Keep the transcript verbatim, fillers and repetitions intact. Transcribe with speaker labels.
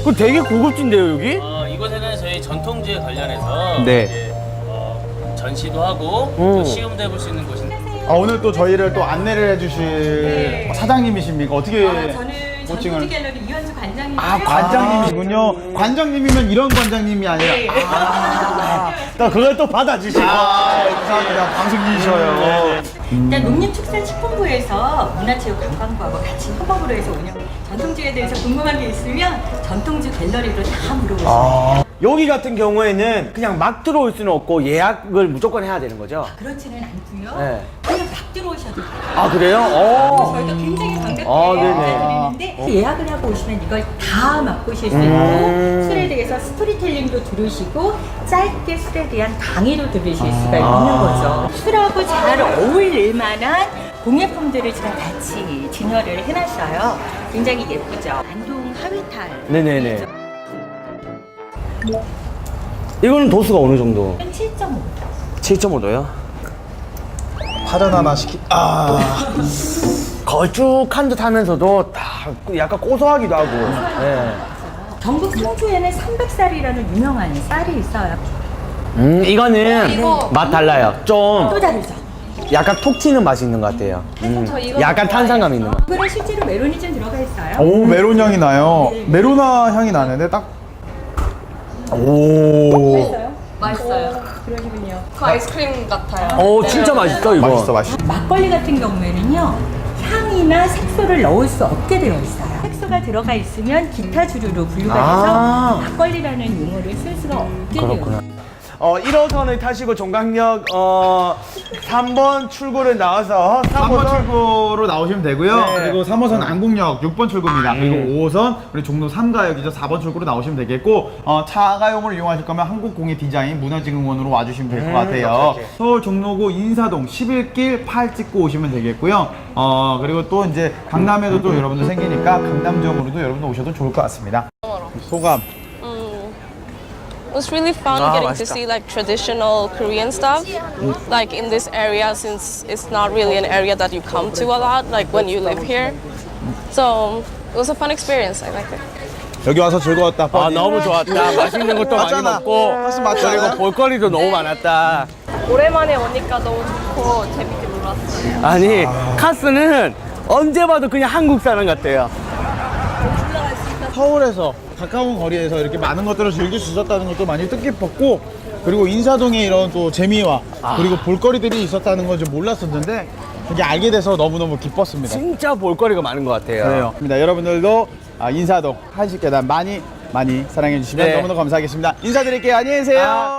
Speaker 1: 그 되게 고급진데요, 여기?
Speaker 2: 어, 이곳에는 저희 전통주에 관련해서
Speaker 1: 네.
Speaker 2: 이제, 어, 전시도 하고
Speaker 1: 음.
Speaker 2: 또 시음도 해볼 수 있는 곳인데
Speaker 3: 아, 오늘 또 저희를 또 안내를 해주실
Speaker 4: 네.
Speaker 3: 사장님이십니까? 어떻게
Speaker 4: 아, 저는
Speaker 3: 호칭을?
Speaker 4: 전통주 갤러리 이현주 관장님.
Speaker 3: 아, 관장님이시군요. 관장님이면 이런 관장님이 아니라.
Speaker 4: 네.
Speaker 3: 아, 또 그걸 또 받아주시고. 아, 감사합니다. 방송인이셔요.
Speaker 4: 일단 농림축산식품부에서 문화체육관광부하고 같이 협업으로 해서 운영. 전통주에 대해서 궁금한 게 있으면 전통주 갤러리로 다 물어보세요.
Speaker 3: 아,
Speaker 1: 여기 같은 경우에는 그냥 막 들어올 수는 없고 예약을 무조건 해야 되는 거죠?
Speaker 4: 그렇지는 않고요.
Speaker 1: 네.
Speaker 4: 그냥 막 들어오셔도 돼요.
Speaker 1: 아, 그래요? 어.
Speaker 4: 저희가 굉장히 반갑게
Speaker 1: 아, 네네.
Speaker 4: 인사드리는데 예약을 하고 오시면 이걸 다 맛보실 수 있고
Speaker 1: 음.
Speaker 4: 술에 대해서 스토리텔링도 들으시고 짧게 술에 대한 강의도 들으실 수가 있는 거죠. 술하고 잘 어울릴 만한 공예품들을 지금 같이 진열을 해놨어요. 굉장히 예쁘죠. 안동 하회탈.
Speaker 1: 네네네. 이거는 도수가 어느 정도?
Speaker 4: 칠 점 오.
Speaker 1: 칠 점 오 도요?
Speaker 3: 파전 하나 시키, 아.
Speaker 1: 걸쭉한 듯 하면서도 다 약간 고소하기도 하고. 네.
Speaker 4: 경북 성주에는 삼백살이라는 유명한 쌀이 있어요.
Speaker 1: 음, 이거는
Speaker 4: 이거-
Speaker 1: 맛 달라요. 좀
Speaker 4: 또 다르죠.
Speaker 1: 약간 톡 튀는 맛이 있는 것 같아요. 음,
Speaker 4: 저 이거
Speaker 1: 약간 탄산감 있는 맛.
Speaker 4: 이거는 실제로 메론이 좀 들어가 있어요.
Speaker 3: 오, 메론 향이 나요.
Speaker 4: 네.
Speaker 3: 메로나 향이 나는데 딱. 오.
Speaker 4: 맛있어요?
Speaker 5: 맛있어요.
Speaker 4: 그러시군요.
Speaker 5: 그 아이스크림 같아요.
Speaker 1: 어, 진짜 맛있어, 이거.
Speaker 3: 맛있어, 맛있어.
Speaker 4: 막걸리 같은 경우에는요, 향이나 색소를 넣을 수 없게 되어 있어요. 색소가 들어가 있으면 기타 주류로 분류가 돼서
Speaker 1: 아.
Speaker 4: 막걸리라는 용어를 쓸 수가 없게 되어
Speaker 1: 그렇구나.
Speaker 4: 있어요.
Speaker 1: 어, 일 호선을 타시고 종강역 어, 삼 번 출구를 나와서
Speaker 3: 삼 번 출구로 나오시면 되고요.
Speaker 1: 네.
Speaker 3: 그리고 삼 호선 안국역 육 번 출구입니다. 그리고 오 호선 우리 종로 삼 가역이죠. 사 번 출구로 나오시면 되겠고, 어, 차가용을 이용하실 거면 한국공예 디자인 문화진흥원으로 와주시면 될 것
Speaker 1: 음,
Speaker 3: 같아요.
Speaker 1: 오케이, 오케이.
Speaker 3: 서울 종로구 인사동 십일 길 팔 찍고 오시면 되겠고요. 어, 그리고 또 이제 강남에도 또 여러분들 생기니까 강남점으로도 여러분들 오셔도 좋을 것 같습니다. 소감.
Speaker 5: It was really fun
Speaker 1: Ah,
Speaker 5: getting to
Speaker 1: 맛있다.
Speaker 5: see like traditional Korean stuff, like in this area since it's not really an area that you come to a lot, like when you live here. So it was a fun experience. I liked it.
Speaker 3: 여기 와서 즐거웠다.
Speaker 1: 아, 너무 좋았다. 맛있는 것도 많이
Speaker 3: 맞잖아.
Speaker 1: 먹고
Speaker 3: 사실 맞잖아.
Speaker 1: 그리고 볼거리도 너무 많았다.
Speaker 5: 오랜만에 오니까 너무 좋고 재밌게 놀았어요.
Speaker 1: 아니, 카스는 언제 봐도 그냥 한국 사람 같아요.
Speaker 3: 서울에서 가까운 거리에서 이렇게 많은 것들을 즐길 수 있었다는 것도 많이 뜻깊었고, 그리고 인사동에 이런 또 재미와 그리고 볼거리들이 있었다는 걸 좀 몰랐었는데 이게 알게 돼서 너무너무 기뻤습니다.
Speaker 1: 진짜 볼거리가 많은 것 같아요.
Speaker 3: 그래요. 여러분들도 아, 인사동 한식계단 많이 많이 사랑해 주시면
Speaker 1: 네.
Speaker 3: 너무너무 감사하겠습니다. 인사드릴게요. 안녕히 계세요.
Speaker 1: 아.